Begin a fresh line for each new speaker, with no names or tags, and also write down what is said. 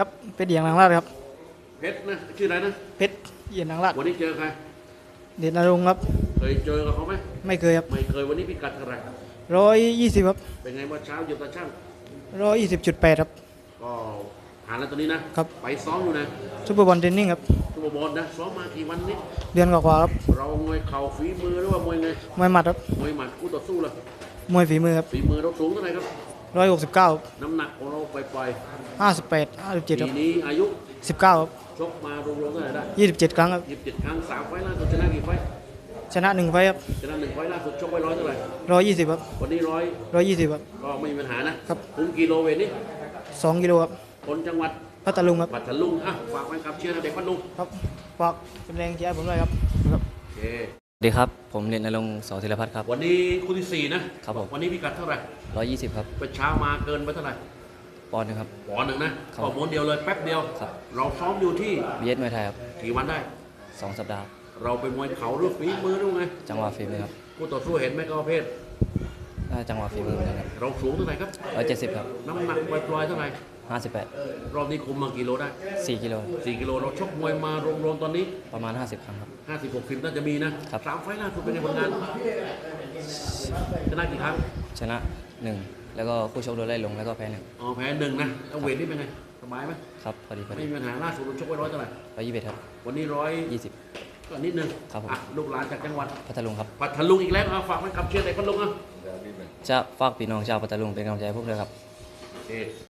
ครับเพชรเดียงนางราชครับ
เพชรนะชื่ออะไรนะ
เพชรเดียงนางราช
วันนี้เจอใคร
เดชนรงค์ครับ
เคยเจอกับเขาไหม
ไม่เคยครับ
ไม่เคยวันนี้พิกัดเท่าไหร่
120ครับ
เป็นไงเมื่อเช้าอยู่ตาช่าง
120.8ครับ
ก็ผ่านแล้วตอนนี้นะครับไปซ้อมอยู่นะ
ซุปเปอร์บอลเทรนนิ่งครับ
ทุกบอลนะซ้อมมากี่วันนี้
เดือนกว่าๆครับ
เรามวยเข่าฝีมือหรือว่ามวยไง
มวยหมัดครับ
มวยหมัดคู่ต่อสู้ล่ะ
มวยฝีมือครับ
ฝีมือเราสูงเท่าไหร่ครับ
169
น้ำหนักของเราปล่อย
58 57ค
ปี
รับ
นี้อายุ
19ครับ
ชกมารวมๆเท่าไหร่ได้
27ครั้งครับ
27ครั้ง3ไฟล์ล่าสุดชนะกี่ไฟล์
ชนะ1ไฟล์ครับ
ชนะ1ไฟล์ล่าสุดชกไว้100เท่าไหร่
120ครับ
วันนี้
120ครับ
ก็ไม่มีปัญหานะครับคุมกิโลเวทนี่
2กิโลครับ
คนจังหวัด
พัทลุงครับ
ปัตตาลุงอ่ะฝากไว้กับเชียร์เด็กพัทลุง
ครับฝากเป็นแรงเชียร์ให้ผมด้วยครับครับ
โอเค
สวัสดีครับ ผมเรียนนรงค์ สอธีรพัฒน์ครับ
วันนี้คู่ที่ 4 นะครับ
ผม
วันนี้พิกัดเท่าไหร่
120 ครับ
ไปเช้ามาเกินไปเท่าไหร่
ปอนด์หนึงครับ
ปอนด์หนึ่งนะครับ ก็ม้วนเดียวเลยแป๊บเดียว
ครับ
เราซ้อมอยู่ที่
บีเอสมวยไทยครับ
กี่วันได้
2 สัปดาห์
เราเป็นมวยเข่าหรือฝีมือหรือไง
จังหวะฝีมือครับ
คู่ต่อสู้เห็นไหมก็ประเภท
น่าจังหวะฝีมือเหมือนกันครับ
เราสูงเท่าไหร่ครับ
170 ครับ
น้ำหนักปล่อยๆเท่าไหร่
58
รอบนี้คุมมากี่โลได้
4 กิโล
4 กิโลเราชกมวยมารวมๆตอนนี้
ประมาณ 50 ครั้งครับ
50-60น่าจะมีนะครับ 3 ไฟล์ล่าสุดเป็นไงผลงานชนะกี่ครั้ง
ชนะ 1 แล้วก็คู่ชกโดนไล่ลงแล้วก็แพ้1
อ๋อแพ้1นะแล้วเวทนี่เป็นไงสบายไหม
ครับ พอดี
ไม่มีปัญหาล่าสุดเราชกไว้100เท่าไหร่
121 ครับ
วันนี้
20
ก็นิดนึง
ครับผม
อ่ะลูกหลานจากจังหวัด
พัทลุงครับ
ปัทลุงอีกแล้วเอาฝากมันกับเชียร์เด็กพัทลุงอ่ะ
จะฝากพี่น้องชาวพัทลุงเป็นกำลังใจให้พวกเราครับ
โอเค